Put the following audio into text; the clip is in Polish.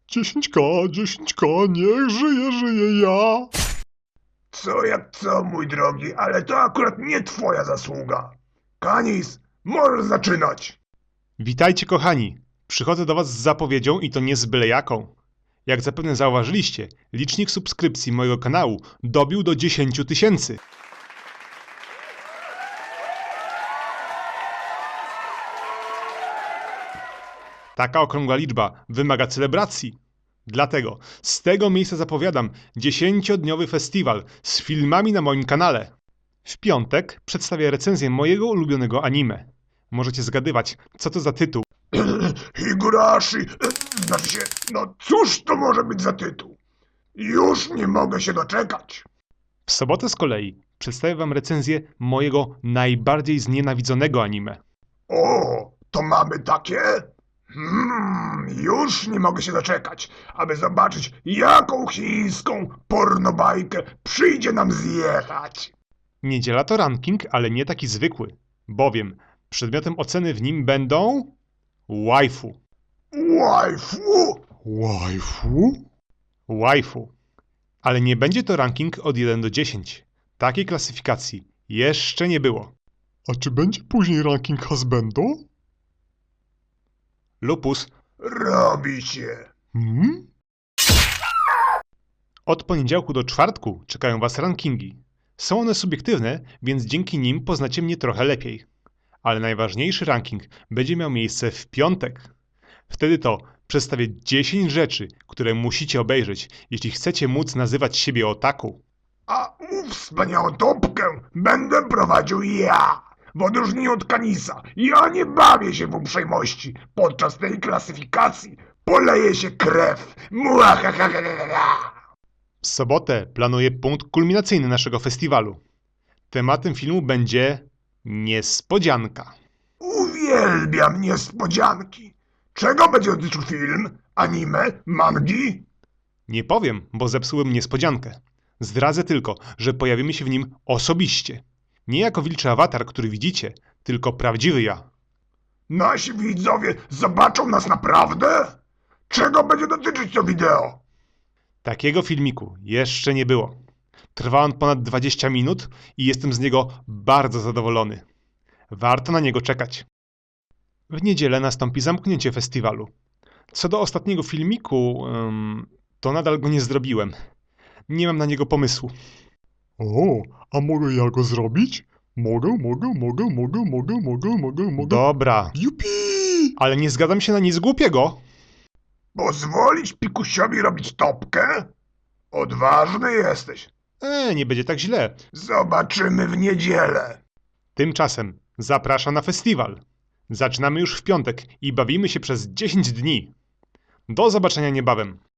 10K, 10K, niech żyje ja. Co jak co, mój drogi, ale to akurat nie twoja zasługa. Kanis, możesz zaczynać. Witajcie kochani, przychodzę do was z zapowiedzią i to nie z byle jaką. Jak zapewne zauważyliście, licznik subskrypcji mojego kanału dobił do 10 000. Taka okrągła liczba wymaga celebracji. Dlatego z tego miejsca zapowiadam 10-dniowy festiwal z filmami na moim kanale. W piątek przedstawię recenzję mojego ulubionego anime. Możecie zgadywać, co to za tytuł. Higurashi, znaczy się, no cóż to może być za tytuł? Już nie mogę się doczekać. W sobotę z kolei przedstawię wam recenzję mojego najbardziej znienawidzonego anime. O, to mamy takie? Już nie mogę się doczekać, aby zobaczyć, jaką chińską pornobajkę przyjdzie nam zjechać. Niedziela to ranking, ale nie taki zwykły, bowiem przedmiotem oceny w nim będą... waifu. Waifu? Waifu. Ale nie będzie to ranking od 1 do 10. Takiej klasyfikacji jeszcze nie było. A czy będzie później ranking husbando? Lupus. Robi się. Od poniedziałku do czwartku czekają was rankingi. Są one subiektywne, więc dzięki nim poznacie mnie trochę lepiej. Ale najważniejszy ranking będzie miał miejsce w piątek. Wtedy to przedstawię 10 rzeczy, które musicie obejrzeć, jeśli chcecie móc nazywać siebie otaku. A wspaniałą topkę będę prowadził ja, w odróżnieniu od Kanisa. Ja nie bawię się w uprzejmości. Podczas tej klasyfikacji poleje się krew. Muahahaha. W sobotę planuję punkt kulminacyjny naszego festiwalu. Tematem filmu będzie niespodzianka. Uwielbiam niespodzianki. Czego będzie dotyczył film? Anime? Mangi? Nie powiem, bo zepsułem niespodziankę. Zdradzę tylko, że pojawimy się w nim osobiście. Nie jako wilczy awatar, który widzicie, tylko prawdziwy ja. Nasi widzowie zobaczą nas naprawdę? Czego będzie dotyczyć to wideo? Takiego filmiku jeszcze nie było. Trwa on ponad 20 minut i jestem z niego bardzo zadowolony. Warto na niego czekać. W niedzielę nastąpi zamknięcie festiwalu. Co do ostatniego filmiku, to nadal go nie zrobiłem. Nie mam na niego pomysłu. O, a mogę ja go zrobić? Mogę. Dobra, Jupi! ale nie zgadzam się na nic głupiego. Pozwolić Pikusiowi robić topkę? Odważny jesteś. Nie będzie tak źle. Zobaczymy w niedzielę. Tymczasem zapraszam na festiwal. Zaczynamy już w piątek i bawimy się przez 10 dni. Do zobaczenia niebawem.